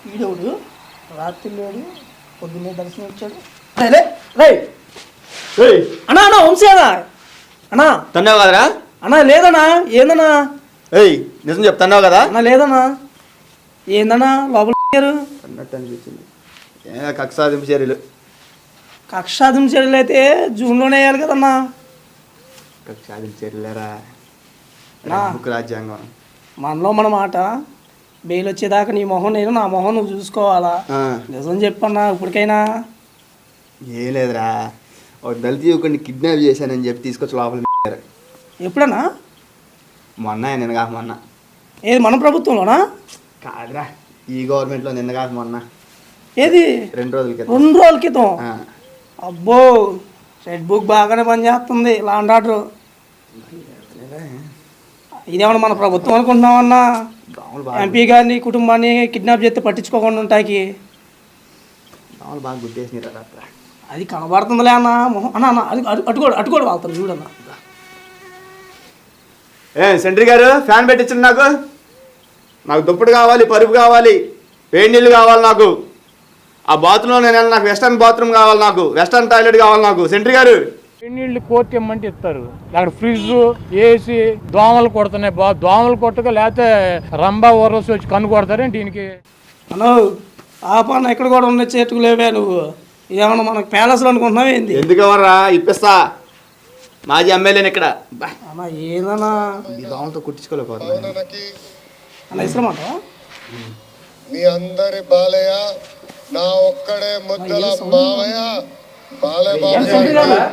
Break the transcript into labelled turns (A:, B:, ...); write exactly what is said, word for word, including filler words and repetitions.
A: ఈడవుడు రాత్రి లేడు పొద్దున్నే దర్శనం ఇచ్చాడు. రే రే అన్నా అన్నా వంశీ అన్నా అన్నా
B: తన్నావు కదరా?
A: అన్నా లేదన్నా. ఏందన్నా?
B: ఏయ్ నిజం చెప్తున్నావు కదా?
A: అన్నా లేదన్నా. ఏందన్నా లోపల
B: అన్నట్టు అనిపించింది. ఏ కక్షాదింపు చర్యలు
A: కక్షాదింపు చర్యలు అయితే జూన్లోనే వేయాలి కదన్నా.
B: కక్షాదింపు చర్యలేరా రాజ్యాంగం.
A: మనలో మన మాట బెయిల్ వచ్చేదాకా నీ మొహం నేను నా మొహం నువ్వు చూసుకోవాలా. నిజం చెప్పన్నా ఇప్పటికైనా.
B: ఏం లేదురా, ఒక దళిత యువకుడిని కిడ్నాప్ చేశానని చెప్పి తీసుకొచ్చి లోపల.
A: ఎప్పుడన్నా?
B: మొన్న నిన్న కాక మొన్న.
A: ఏది మన ప్రభుత్వంలోనా?
B: కాదురా, ఈ గవర్నమెంట్లో నిన్న కాక మొన్న.
A: ఏది?
B: రెండు రోజుల క్రితం.
A: రెండు రోజుల క్రితం. అబ్బో రెడ్ బుక్ బాగానే పనిచేస్తుంది. లాండ్ ఆర్డర్ ఇదేమన్నా మన ప్రభుత్వం అనుకుంటున్నామన్నా? ఎంపీ గారిని కుటుంబాన్ని కిడ్నాప్ చేస్తే పట్టించుకోకుండా ఉంటాకి
B: బాగా గుర్తేసినారు.
A: అది కనబడుతుందిలే అన్న మొహం అన్న అన్న అది అటుకోడు అటుకోడు వాళ్తారు చూడన్న.
B: ఏ సెంట్రీ గారు ఫ్యాన్ పెట్టించండి. నాకు నాకు దుప్పటి కావాలి, పరుపు కావాలి, వేడి నీళ్ళు కావాలి. నాకు ఆ బాత్రూంలో నేను నాకు వెస్టర్న్ బాత్రూమ్ కావాలి, నాకు వెస్టర్న్ టాయిలెట్ కావాలి. నాకు సెంట్రీ గారు
C: నీళ్ళు కోర్టు ఇమ్మంటే ఇస్తారు. అక్కడ ఫ్రిడ్జ్ ఏసీ దోమలు కొడుతున్నాయి. బా దోమలు కొట్టక లేకపోతే రంబా ఓరల్సి వచ్చి కన్ను కొడతారే దీనికి.
A: అను ఆపన్న ఇక్కడ కూడా ఉన్న చేతుకు లేవే నువ్వు. ఇదేమన్నా మనకు ప్యాలెస్లో అనుకుంటున్నావు ఏంది?
B: ఎందుకు ఎవర్రా ఇప్పిస్తా, మాజీ ఎమ్మెల్యేని ఇక్కడ.
A: అన్న ఏదన్నా
B: దోమలతో కుట్టించుకోలేకపోతున్నా
A: అన్న ఇస్తామాట.
D: మీ అందరి బాలయ్య నా ఒక్కడే ముద్దల మావయ్య బాలయ్య బాబు.